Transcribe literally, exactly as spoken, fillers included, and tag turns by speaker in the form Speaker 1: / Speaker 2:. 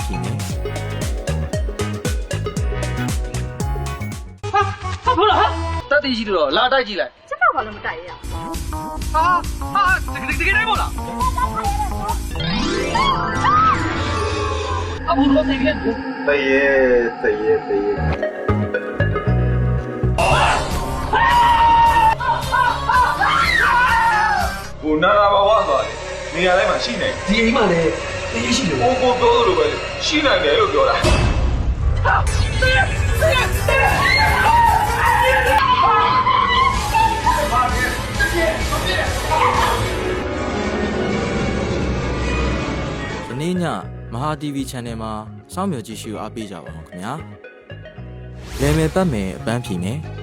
Speaker 1: ဖြေမယ်
Speaker 2: ဟာဟာဘလို့ဟာတက်တီးကြီးတော့လာတိုက်ကြည့်လိုက်
Speaker 3: ကျမဘာလို့မတိုက်ရအောင်
Speaker 2: ဟာဟာတကယ်တကယ်တိုင်းမို့လားအဘူတော့တကယ်
Speaker 4: တရေတရေတရေကိုနာနာဘဝသွားတယ်နေရာတိုင်းမှာရှိနေ
Speaker 2: ဒီအိမ်မှာလည်းတကယ်ရှိတယ်
Speaker 4: ကိုကိုပြောလို့ပဲရှိနိုင်တယ်လို့ပြောတာ
Speaker 1: ဒီနေ့ညမဟာ တီဗီ channel မှာစောင့်မျှော်ကြည့်ရှုအားပေးကြပါအောင်ခင်ဗျာလဲမယ်ပတ်မယ်အပန်းဖြေမယ်